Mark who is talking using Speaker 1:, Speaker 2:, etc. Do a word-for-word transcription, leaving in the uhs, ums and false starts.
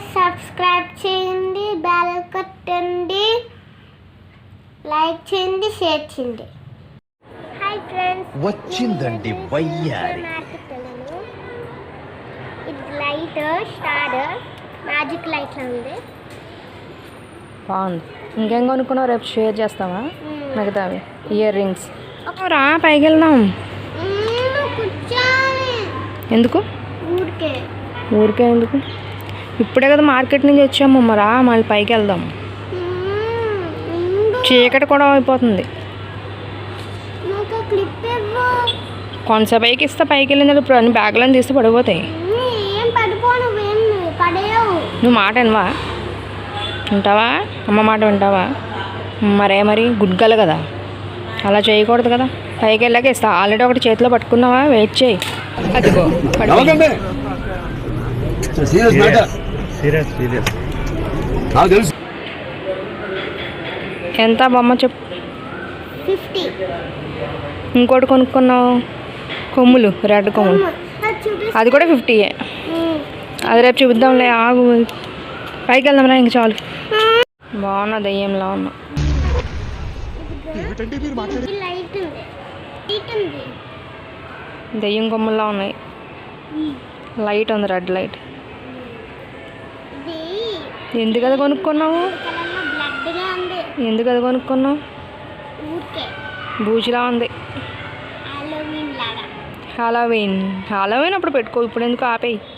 Speaker 1: Subscribe చేయండి, bell కొట్టండి, like చేయండి, షేర్ చేయండి. హాయ్ ఫ్రెండ్స్,
Speaker 2: వచ్చిందండి వయ్యారి.
Speaker 1: ఇది లైట్ స్టార్ మ్యాజిక్ లైట్ లా ఉంది.
Speaker 3: బాగుంది. ఇంకేం కొనుక్కున్నావు? రేపు షేర్ చేస్తావా మిగతావి? Ear rings. రా పైకి వెళ్దాం. ఎందుకు
Speaker 1: ఊరికే
Speaker 3: ఊరికే ఎందుకు? ఇప్పుడే కదా మార్కెట్ నుంచి వచ్చాము, మరా మళ్ళీ పైకి వెళ్దాం. చీకటి కూడా అయిపోతుంది. కొంచెం పైకి ఇస్తే పైకి వెళ్ళింది. ఇప్పుడు అన్ని బ్యాగులను తీస్తే పడిపోతాయి. నువ్వు మాట వినవా? వింటావా? అమ్మ మాట వింటావా? మరే మరి గుడ్గలు కదా, అలా చేయకూడదు కదా. పైకి వెళ్ళాక ఇస్తా. ఆల్రెడీ ఒకటి చేతిలో పట్టుకున్నావా? వెయిట్ చేయి. అదిగో ఎంత బొమ్మ చెప్పు?
Speaker 1: ఫిఫ్టీ.
Speaker 3: ఇంకోటి కొనుక్కున్నావు కొమ్ములు, రెడ్ కొమ్ములు, అది కూడా ఫిఫ్టీయే. అది రేపు చూద్దాంలే, ఆగు. పైకి వెళ్దాంరా, ఇంక చాలు. బాగున్నా, దయ్యంలా ఉన్నా. దయ్యం కొమ్ముల్లా ఉన్నాయి. లైట్ ఉంది, రెడ్ లైట్. ఎందుకు అది కొనుక్కున్నావు? ఎందుకు అది కొనుక్కున్నావు? బూచిలా ఉంది. హాలోవీన్ హాలోవీన్ అప్పుడు పెట్టుకో. ఇప్పుడు ఎందుకు ఆపేయి.